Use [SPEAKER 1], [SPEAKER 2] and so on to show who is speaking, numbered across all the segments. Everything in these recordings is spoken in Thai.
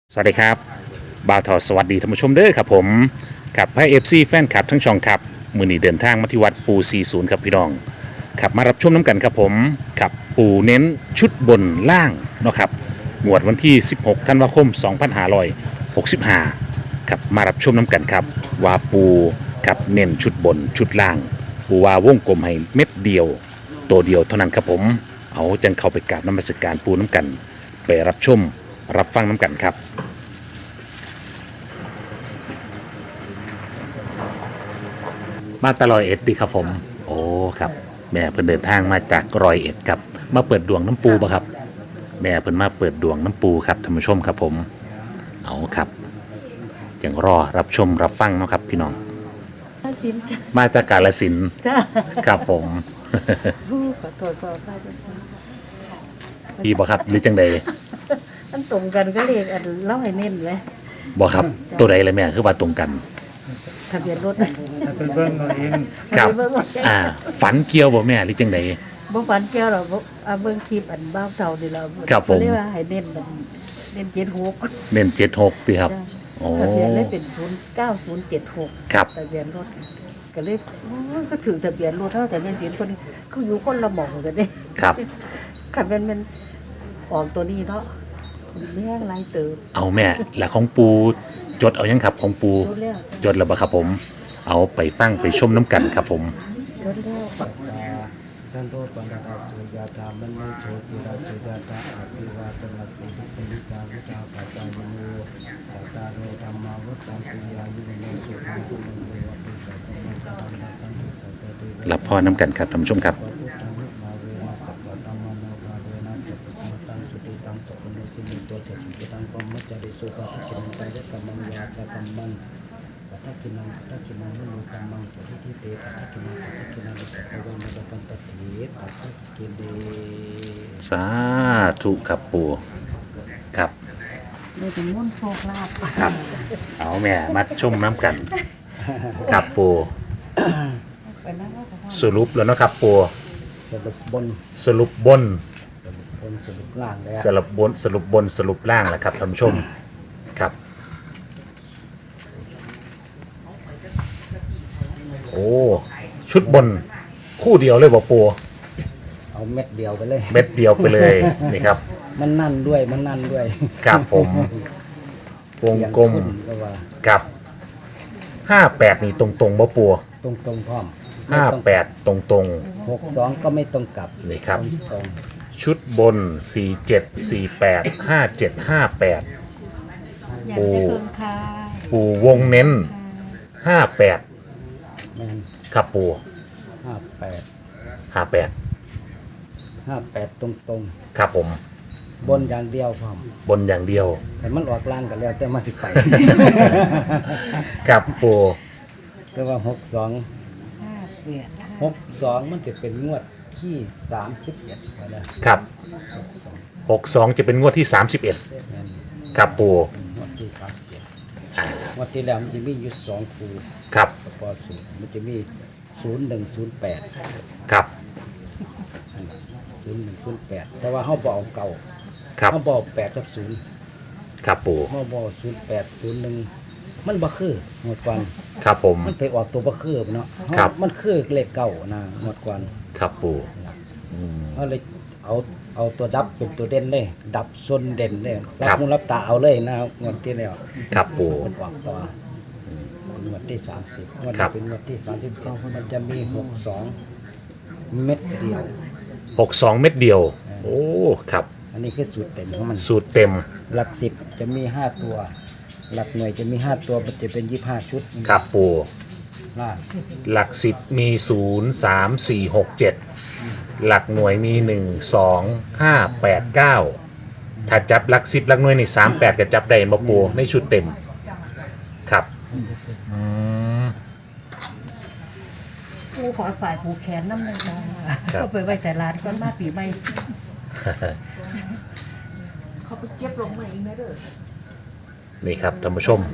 [SPEAKER 1] สวัสดีครับบ่าวทอสวัสดีท่านผู้ชมเด้อครับผมกับให้เอฟซีแฟนคลับทั้งช่องครับมือนี้เดินทางมาที่วัดปู40ครับพี่น้องขับมารับชมน้ำกันครับผมขับปูเน้นชุดบนล่างเนาะครับงวดวันที่16ธันวาคม2565ครับมารับชมน้ำกันครับว่าปูกับเน้นชุดบนชุดล่างปูว่าวงกลมให้เม็ดเดียวตัวเดียวเท่านั้นครับผมเอาจังเข้าไปกราบนมัสการปูน้ำกันไปรับชมรับฟังน้ำกันครับมาตลอยเอ็ดดีครับผมโอ้ครับแม่เพิ่นเดินทางมาจากรอยเอ็ดครับมาเปิดดวงน้ำปูป่ะครับแม่เพิ่นมาเปิดดวงน้ำปูครับท่านผู้ชมครับผมเอาครับยังรอรับชมรับฟังเนาะครับพี่น้อง
[SPEAKER 2] สินจ้ะ
[SPEAKER 1] มาจากกาฬสินธุ์
[SPEAKER 2] จ้า
[SPEAKER 1] ครับผม
[SPEAKER 2] ขอโทษขออภัยด้วยจ้ะ
[SPEAKER 1] ดีบ่ครับหรือจังใด
[SPEAKER 2] อันตรงกันก็เรียกอันเล่าให้เน้นเลย
[SPEAKER 1] บ่ครับตัวใดเลยแม่คือว่าตรงกัน
[SPEAKER 2] ทะเบียนรถ
[SPEAKER 3] ถ้าเป็นเบิ้งเอาเอง
[SPEAKER 1] ครับ
[SPEAKER 2] เบิ่งว่า
[SPEAKER 1] ฝันเกี่ยวบ่แม่หรือจังใด
[SPEAKER 2] บ่ฝันแก้วหรอกเบิ่งคลิปอันบ้าวเท่านี่เรา
[SPEAKER 1] ครับผม
[SPEAKER 2] เรียกว่าให้เน้นมันเน้น76
[SPEAKER 1] เน้น76ติครับโอ้
[SPEAKER 2] ทะเบียนเลยเป็น09076
[SPEAKER 1] ครับ
[SPEAKER 2] ทะเบียนรถก็เลยโอ้ยก็ถือทะเบียนรถเท่าแต่เงินสินคนเขาอยู่คนละหม่องกันเด้
[SPEAKER 1] ครับ
[SPEAKER 2] คันเป็นมันออกตัวนี้เนาะแม่งหลายเติบ
[SPEAKER 1] เอาแม่แล้วของปูจดเอายังครับของปู
[SPEAKER 2] จดแล้ว
[SPEAKER 1] จดแล้วบ่ครับผม เอาไปฟังไปชมน้ำกันครับผม
[SPEAKER 2] จดแล้ว
[SPEAKER 3] จันโตปันดาสุยาธามันไม่โชติราสุยาธาอภิวาตนาสิสินิจาวุฒาปัจจายโนปัตตาโรธรรมาวุฒาปิยายุโนสุขังคุณโนวัปิสัตตมังสารนัตังหิสัตตเต
[SPEAKER 1] รับพ่อน้ำกันครับท่านผู้ชมครับ
[SPEAKER 3] พุทธังมาเวนะสัพพะธัมมังนาภาเวนะสัพพะสัมตังสุติตังสัพพะโนสิมิโตเจสุติตังปมัจจาริสุขะทุกินังกายกัมมังยาตะกัมมังปัทกินังปัทกินังมุโนกัมมังปฏิทิเตปัทกินังอิสัพพะวันนะปันตติปัทกิเด
[SPEAKER 1] สาธุครับปูครับ
[SPEAKER 2] เลยเป็นมุ่นต์โชคลาภ
[SPEAKER 1] ครับ เอาแม่มาชมน้ำกันครับปู
[SPEAKER 2] ไปนั่งว่าเขา
[SPEAKER 1] สรุปแล้วเนาะครับปู
[SPEAKER 3] สรุปบน
[SPEAKER 1] สรุปบน
[SPEAKER 3] สรุปบนสรุปล่างแล้ว
[SPEAKER 1] สรุปบนสรุปบนสรุปล่างแหละครับท่านผู้ชมครับโอ้ชุดบนคู่เดียวเลยบ่ปู
[SPEAKER 3] เอาเม็ดเดียวไปเลย
[SPEAKER 1] เม็ดเดียวไปเลยนี่ครับ
[SPEAKER 3] มันนั่นด้วยมันนั่นด้วย
[SPEAKER 1] ครับผมวงกลม
[SPEAKER 3] เสียงขึ้นก็ว่า
[SPEAKER 1] กับ58นี่ตรงๆบ่ปู
[SPEAKER 3] ตรงตรงพร้อม
[SPEAKER 1] 58ตรง
[SPEAKER 3] 62ก็ไม่ตรงกลับ
[SPEAKER 1] ๆนี่ครับ
[SPEAKER 3] ตรง
[SPEAKER 1] ชุดบน 47 48 57 58
[SPEAKER 2] อยากได้เพิ่มค่ะ
[SPEAKER 1] ปูวงเน้น 58
[SPEAKER 3] แมน
[SPEAKER 1] ครับปู
[SPEAKER 3] 58
[SPEAKER 1] 58
[SPEAKER 3] 58ตรงตรง
[SPEAKER 1] ครับผม
[SPEAKER 3] บนอย่างเดียวพร้อม
[SPEAKER 1] บนอย่างเดียว
[SPEAKER 3] แต่มันออกล่างกันแล้วแต่มันสิไป
[SPEAKER 1] ครับปู
[SPEAKER 3] แต่ว่า62
[SPEAKER 2] 58
[SPEAKER 3] 62มันจะเป็นงวดที่31ไปแล้ว
[SPEAKER 1] ครับ
[SPEAKER 3] 62
[SPEAKER 1] 62 จะเป็นงวดที่ 31
[SPEAKER 3] แม่น
[SPEAKER 1] ครับปู
[SPEAKER 3] งวดที่31งวดที่แล้วมันจะมีอยู่2คู่
[SPEAKER 1] ครับ
[SPEAKER 3] ประกอบสูตรมันจะมี0108
[SPEAKER 1] ครับ
[SPEAKER 3] 0108แต่ว่าเฮาบ่เอาเก่า
[SPEAKER 1] ครับ
[SPEAKER 3] เฮาบ่เอา8กับ0
[SPEAKER 1] ครับปู
[SPEAKER 3] เฮาบ่เอา08 01มันบ่คือหมดก่อน
[SPEAKER 1] ครับผม
[SPEAKER 3] มันไปออกตัวบ่คือเนาะ
[SPEAKER 1] ครับ
[SPEAKER 3] มันคือเลขเก่านะหมดก่อน
[SPEAKER 1] ครับปู
[SPEAKER 3] เฮาเลยเอาตัวดับเป็นตัวเด่นเลยดับส่วนเด่นเลยรับหูรับตาเอาเลยนะงวดที่แล้ว
[SPEAKER 1] ครับปู
[SPEAKER 3] มันออกต่องวดที่30งวด
[SPEAKER 1] ครั
[SPEAKER 3] นี้
[SPEAKER 1] บ
[SPEAKER 3] เป็นงวดที่30มันจะมี62เม็ดเดียว
[SPEAKER 1] 62 เม็ดเดียว โอ้ ครับ
[SPEAKER 3] อันนี้คือสูตรเต็มของมัน
[SPEAKER 1] สูตรเต็ม
[SPEAKER 3] หลัก10จะมี5ตัว หลักหน่วยจะมี5ตัวมันจะเป็น25ชุด
[SPEAKER 1] ครับปู
[SPEAKER 3] ล่าง
[SPEAKER 1] หลัก 10 มี 0 3 4 6 7 หลักหน่วยมี 1 2 5 8 9 ถ้าจับหลัก 10 หลักหน่วยนี่3 8ก็จับได้บ่ปูในชุดเต็ม ครับ
[SPEAKER 2] ผู้ขอฝ่ายผู้แขนน้ำเลยจ้า
[SPEAKER 1] ครับ
[SPEAKER 2] ก็ไปไว้แต่ร้านก่อนมาปีใหม่เขาไปเก็บลงมาเองนะเด้อ
[SPEAKER 1] นี่ครับท่านผู้ชม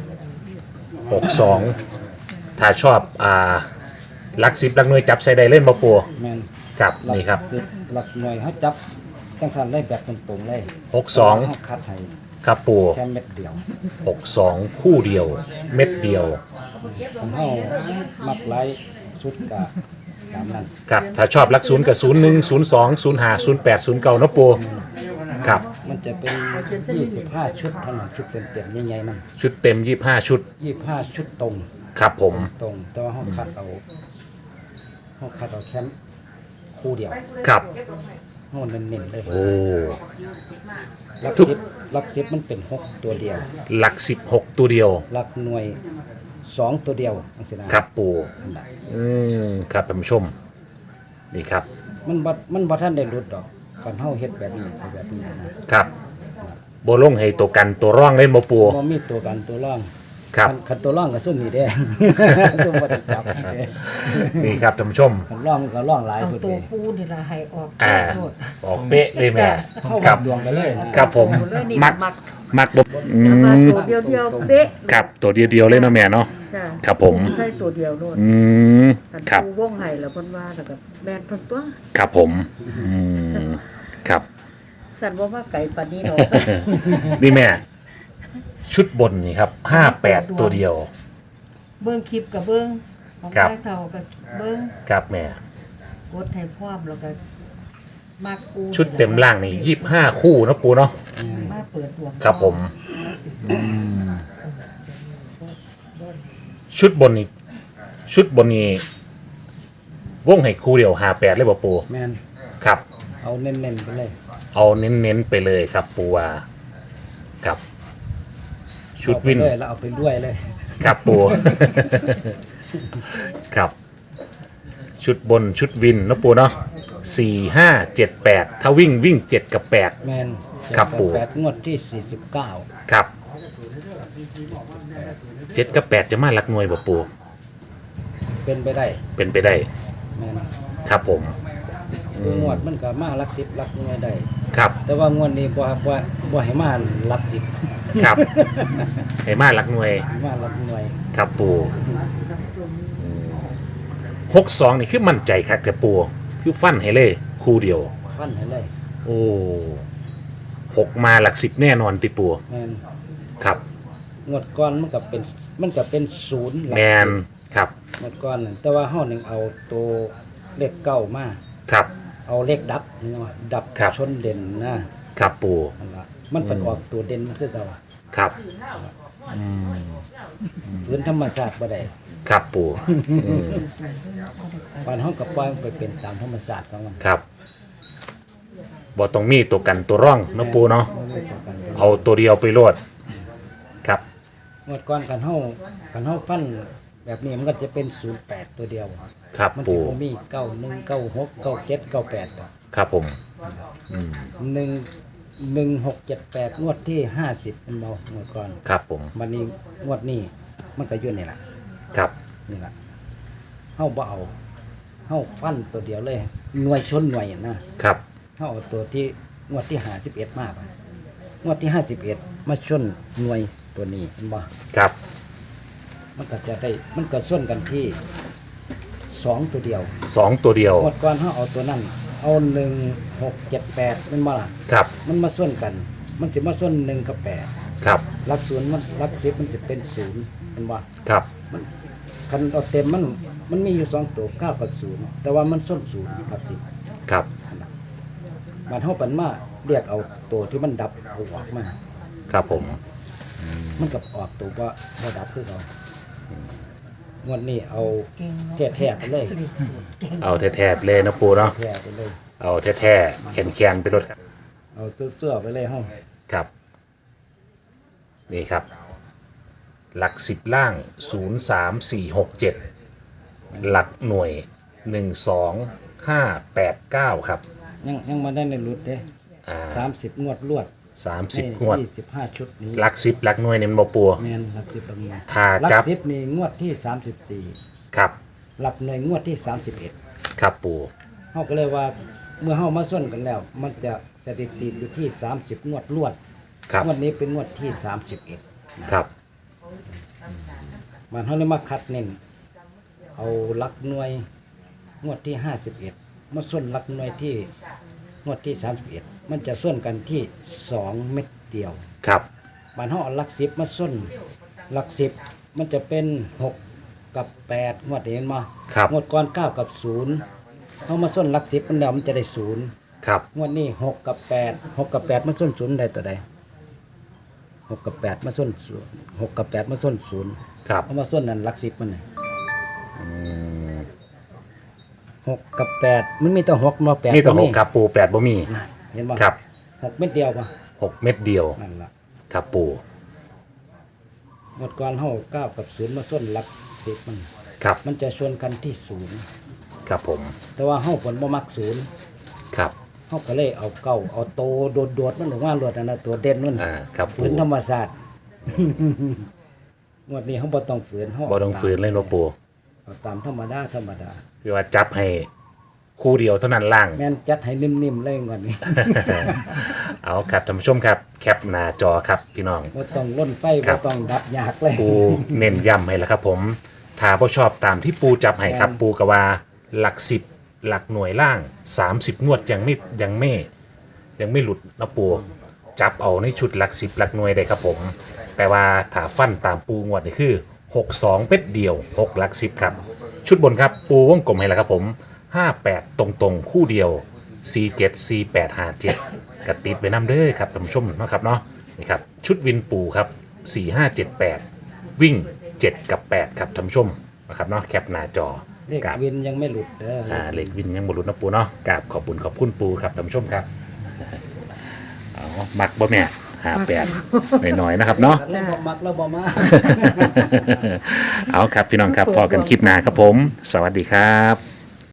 [SPEAKER 1] 62 ถ้าชอบหลัก 10 หลักหน่วยจับใส่ได้เล่นบ่ปู
[SPEAKER 3] แม่น
[SPEAKER 1] ครับ
[SPEAKER 3] หลั
[SPEAKER 1] นี่ครับ
[SPEAKER 3] 10หลักหน่วยเขาจับจังสันเลยแบบตรงๆเลย
[SPEAKER 1] 62
[SPEAKER 3] เขาคัดให้
[SPEAKER 1] ครับปู
[SPEAKER 3] แค่เม็ดเดียว
[SPEAKER 1] 62คู่เดียว เม็ดเดียว
[SPEAKER 3] ผมเฮามักไล่สุดกะตามนั้น
[SPEAKER 1] ครับถ้าชอบหลักศูนย์กับ01 02 05 08 09เนาะปูครับ
[SPEAKER 3] มันจะเป็น25ชุดเท่านั้นชุดเต็มๆใหญ่ๆมัน
[SPEAKER 1] ชุดเต็ม25ชุด
[SPEAKER 3] 25ชุดตรง
[SPEAKER 1] ครับผม
[SPEAKER 3] ตรงแต่ว่าเฮาคัดเอาแค่คู่เดียว
[SPEAKER 1] ครับ
[SPEAKER 3] เฮาเน้นๆเลย
[SPEAKER 1] โอ้
[SPEAKER 3] หลัก
[SPEAKER 1] ทุก
[SPEAKER 3] 10หลัก10มันเป็น6ตัวเดียว
[SPEAKER 1] หลัก16ตัวเดียว
[SPEAKER 3] หลักหน่วย2ตัวเดียวจังซี่นะครับ
[SPEAKER 1] ปู
[SPEAKER 3] นั่นล่ะ
[SPEAKER 1] ครับท่านผู้ชมนี่ครับ
[SPEAKER 3] มันบ่ทันได้หลุดดอกกันเฮาเฮ็ดแบบนี้นะครับ
[SPEAKER 1] โบลงให้ตัวกันตัวร่องเล่นบ่ปู
[SPEAKER 3] บ่มีตัวกันตัวร่อง
[SPEAKER 1] ครับ
[SPEAKER 3] คันตัวร่องก็ซุ่มนี่แดง ซุ่มบ่ได้จับ
[SPEAKER 1] นี่ครับท่านผู้ชม
[SPEAKER 3] คันร่องมันก็ร่องหลาย
[SPEAKER 2] เอา
[SPEAKER 3] พุ่น
[SPEAKER 2] ตัว
[SPEAKER 3] เด้
[SPEAKER 2] ปูนี่ละให้ออก
[SPEAKER 1] อ่า
[SPEAKER 2] โทษ
[SPEAKER 1] ออกเป๊ะเลยแม่
[SPEAKER 3] เฮา
[SPEAKER 1] ค
[SPEAKER 3] วั
[SPEAKER 1] รั
[SPEAKER 3] ด
[SPEAKER 1] บ
[SPEAKER 3] ดวงไปเลยนะครับ
[SPEAKER 1] ผม
[SPEAKER 2] เอาเลยนี่
[SPEAKER 1] มัก
[SPEAKER 2] มัก
[SPEAKER 1] มักบ่
[SPEAKER 2] เอามาตัวเดียวเป๊ะ
[SPEAKER 1] ครับตัวเดียวเลยเนาะแม่เนาะ
[SPEAKER 2] จ้ะ
[SPEAKER 1] ครับผม
[SPEAKER 2] ใส่ตัวเดียวโลด คัน
[SPEAKER 1] ครับ
[SPEAKER 2] ปูวงไห้แล้วเพิ่นว่าแล้วก็แม่นเพิ่นตัว
[SPEAKER 1] ครับผมครับ
[SPEAKER 2] สั่นบ่ว่าไก่ปานนี้ดอก
[SPEAKER 1] นี่แม่ ชุดบนนี่ครับ58ตัวเดียว
[SPEAKER 2] เบิ่งคลิปกับเบิ่งของ
[SPEAKER 1] ครับ
[SPEAKER 2] ใต้เฒ่ากับเบิ่ง
[SPEAKER 1] ครับแม่
[SPEAKER 2] กดให้พร้อมแล้วก็มักปู
[SPEAKER 1] ชุดเต็มล่างนี่25คู่เนาะปูเนาะ
[SPEAKER 2] มาเปิดดวง
[SPEAKER 1] ครับผมชุดบนนี่ชุดบนนี่วงให้คู่เดียว58เลยบ่ปู
[SPEAKER 3] แม่น
[SPEAKER 1] ครับ
[SPEAKER 3] เอาเน้นๆไปเลย
[SPEAKER 1] เอาเน้นๆไปเลยครับปูว่าครับชุดวิน
[SPEAKER 3] เอาไปเลยแล้วเอาไปด้วยเลย
[SPEAKER 1] ครับปู ครับ ชุดบนชุดวินเนาะปูเนาะ4578ถ้าวิ่ง7กับ8
[SPEAKER 3] แม่น
[SPEAKER 1] ครับปู่
[SPEAKER 3] แปดงวดที่49
[SPEAKER 1] ครับ7กับ8จะมาหลักหน่วยบ่ปู
[SPEAKER 3] เป็นไปได้
[SPEAKER 1] เป็นไปได้
[SPEAKER 3] แม่น
[SPEAKER 1] ครับผม
[SPEAKER 3] งวดมันก็มาหลัก10หลักหน่วยได้
[SPEAKER 1] ครับ
[SPEAKER 3] แต่ว่างวดนี้บ่ให้มาหลัก10
[SPEAKER 1] ครับ ให้มาหลักหน่วย
[SPEAKER 3] มาหลักหน่วย
[SPEAKER 1] ครับปู62นี่คือมั่นใจคักแต่ปูคือฟันให้เลยคู่เดียว
[SPEAKER 3] ฟันให้เลย
[SPEAKER 1] โอ้6มาหลัก10แน่นอนติปู
[SPEAKER 3] แม่น
[SPEAKER 1] ครับ
[SPEAKER 3] งวดก่อนมันก็เป็นศูนย์หลัก
[SPEAKER 1] แมน
[SPEAKER 3] 10
[SPEAKER 1] ครับ
[SPEAKER 3] งวดก่อนนั่นแต่ว่าเฮานึงเอาตัวเลขเก้ามา
[SPEAKER 1] ครับ
[SPEAKER 3] เอาเลขดับนี่ว่าดับ
[SPEAKER 1] ครับ
[SPEAKER 3] ชนเด่นนะครับ
[SPEAKER 1] ปู
[SPEAKER 3] นั่นล่ะมันเป็นออกตัวเด่นมันคือเก่า
[SPEAKER 1] ครับ
[SPEAKER 3] พื้นธรรมศาสตร์บ่ได้
[SPEAKER 1] ครับปู
[SPEAKER 3] บ้านเฮาก็ปล่อยมันไปเป็นตามธรรมศาสตร์ของมัน
[SPEAKER 1] ครับบ่ต้องมีตัวกันตัวร่องเนาะปูเนาะ
[SPEAKER 3] บ่มีตัวกัน
[SPEAKER 1] เอาตัวเดียวไปโลดครับ
[SPEAKER 3] งวดก่อนกันเฮาฟันแบบนี้มันก็จะเป็น08ตัวเดียว
[SPEAKER 1] ครับ
[SPEAKER 3] มัน
[SPEAKER 1] ปู
[SPEAKER 3] สิบ่มี91 96 97 98ดอก
[SPEAKER 1] ครับผม
[SPEAKER 3] 1678งวดที่50มันเบางวดก่อน
[SPEAKER 1] ครับผม
[SPEAKER 3] วันนี้งวดนี้มันก็อยู่นี่ล่ะ
[SPEAKER 1] ครับ
[SPEAKER 3] นี่ล่ะเฮาบ่เอาเฮาฟันตัวเดียวเลยหน่วยชนหน่วยนะครับ เฮาเอาตัวที่งวดที่51มาบ่งวดที่51มาชนหน่วยตัวนี้เห็นบ่
[SPEAKER 1] ครับ
[SPEAKER 3] มันก็จะได้มันก็ส่วนกันที่2ตัวเดียว
[SPEAKER 1] 2ตัวเดียว
[SPEAKER 3] งวดก่อนเฮาเอาตัวนั้นเอา1678เป็นบ่ล่ะ
[SPEAKER 1] ครับ
[SPEAKER 3] มันมาส่วนกัน มันสิมาส่วน1กับ8
[SPEAKER 1] ครับ
[SPEAKER 3] หลักศูนย์มันหลัก10มันจะเป็น0เป็นบ่
[SPEAKER 1] ครับ
[SPEAKER 3] คันเอาเต็มมันมีอยู่2ตัว9กับ0แต่ว่ามันส้น0หลัก10
[SPEAKER 1] ครับ
[SPEAKER 3] มันเฮาปันมาเรียกเอาตัวที่มันดับเอาออกมา
[SPEAKER 1] ครับผม
[SPEAKER 3] มันกับออกตัวบ่ดับคือเอางวดนี้เอา
[SPEAKER 2] เก่งเนาะ
[SPEAKER 3] แท้ๆไปเลย
[SPEAKER 1] เอาแท้ๆเลยนะปูเนาะ
[SPEAKER 3] แท้ไปเลย
[SPEAKER 1] เอาแท้ๆแข็งๆไปรถครับ
[SPEAKER 3] เอาเสื้อๆไปเลยเฮา
[SPEAKER 1] ครับ นี่ครับ หลัก10ล่าง0 3 4 6 7หลักหน่วย1 2 5 8 9ครับ
[SPEAKER 3] ยังมาได้ในรุดเด้
[SPEAKER 1] อ่า
[SPEAKER 3] 30งวดรวด
[SPEAKER 1] 30งวด
[SPEAKER 3] 25ชุดนี้
[SPEAKER 1] หลัก10หลักหน่วยนี่มันบ่ปู
[SPEAKER 3] แม่นหลัก10ประมาณ
[SPEAKER 1] ถ้า
[SPEAKER 3] หลั
[SPEAKER 1] จับ
[SPEAKER 3] 10นี่งวดที่34
[SPEAKER 1] ครับ
[SPEAKER 3] หลักหน่วยงวดที่31
[SPEAKER 1] ครับปู
[SPEAKER 3] เฮาก็เลยว่าเมื่อเฮามาส่วนกันแล้ว มันจะสถิติอยู่ที่30งวดรวด
[SPEAKER 1] ครับ
[SPEAKER 3] งวดนี้เป็นงวดที่31
[SPEAKER 1] ครับ
[SPEAKER 3] มันเขาเลยมาคัดเน้นเอาหลักหน่วยงวดที่51มาส่วนหลักหน่วยที่งวดที่31มันจะส่วนกันที่2เม็ดเดียว
[SPEAKER 1] ครับ
[SPEAKER 3] บ้านเฮาเอาหลักสิบมาส้นหลักสิบมันจะเป็น6กับ8งวดเห็นมา
[SPEAKER 1] ครับ
[SPEAKER 3] งวดก่อน9กับ0เฮามาส้นหลักสิบมันแล้วมันจะได้0
[SPEAKER 1] ครับ
[SPEAKER 3] งวดนี้6กับ8 6กับ8มาส้น0ได้ตัวใด6กับ8มาส้น0 6กับ8มาส้น0
[SPEAKER 1] ครับ
[SPEAKER 3] เอามาส้นนั่นหลักสิบมันน่ะ6กับ8มันมีแต่6มา8
[SPEAKER 1] มีแต่6ครับปู8บ่มี
[SPEAKER 3] เห็นบ่
[SPEAKER 1] ครับ
[SPEAKER 3] 6เม็ดเดียวป่ะ
[SPEAKER 1] 6 เม็ดเดียว
[SPEAKER 3] นั่นล่ะ
[SPEAKER 1] ครับปู
[SPEAKER 3] หมดก่อนเฮา9กับ0มาส้นหลักสิบมัน
[SPEAKER 1] ครับ
[SPEAKER 3] มันจะชวนกันที่
[SPEAKER 1] ครับผม
[SPEAKER 3] 0แต่ว่าเฮาผลบ่มัก0
[SPEAKER 1] ครับ
[SPEAKER 3] เฮาก็เลยเอาเก้าเอาโตโดดๆมันหรือว่าโดดนั่นน่ะตัวเด่นนั่น
[SPEAKER 1] ครับปู
[SPEAKER 3] ฝืนธรรมศาสตร์ งวดนี้เฮาบ่ต้องฝืนเฮา
[SPEAKER 1] บ่ต้องฝืนเลยเนาะปู
[SPEAKER 3] เอาตามธรรมดา
[SPEAKER 1] คือว่าจับให้คู่เดียวเท่านั้นล่าง
[SPEAKER 3] แม่นจัดให้นิ่มๆเลยงวดนี้
[SPEAKER 1] เอาครับท่านผู้ชมครับแคปหน้าจอครับพี่น้อง
[SPEAKER 3] บ่ต้องล่นไฟ
[SPEAKER 1] ครั
[SPEAKER 3] บ่
[SPEAKER 1] บ
[SPEAKER 3] ต้องดับยากเลย
[SPEAKER 1] ปูเน้นย้ำให้แล้วครับผมถ้าบ่ชอบตามที่ปูจับให้ครับ ปูกว่าหลัก10หลักหน่วยล่าง 30งวดยังไม่หลุดนะปูจับเอาในชุดหลัก10หลักหน่วยได้ครับผมแต่ว่าถ้าฟันตามปูงวดนี่คือ62เป็ดเดียว6หลัก10ครับชุดบนครับปูวงกลมให้แล้วครับผม58ตรงๆคู่เดียว47 48 57กระติดไปน้ำเด้อครับท่านผู้ชมเนาะครับเนาะนี่ครับชุดวินปูครับ4578วิ่ง7กับ8ครับท่านผู้ชมนะครับเนาะแคปหน้าจอ
[SPEAKER 3] เลข
[SPEAKER 1] กับ
[SPEAKER 3] วินยังไม่หลุดเด้อ
[SPEAKER 1] เลขวินยังบรุษนะปูเนาะกราบขอบคุณปูครับท่านผู้ชมครับเอามักบ่แม่58หน่อยๆนะครับเนาะ
[SPEAKER 3] แล้วบ่มักแล้วบ่มา
[SPEAKER 1] เอาครับพี่น้องครับพอกันคลิปหน้าครับผม สวัสดีครับ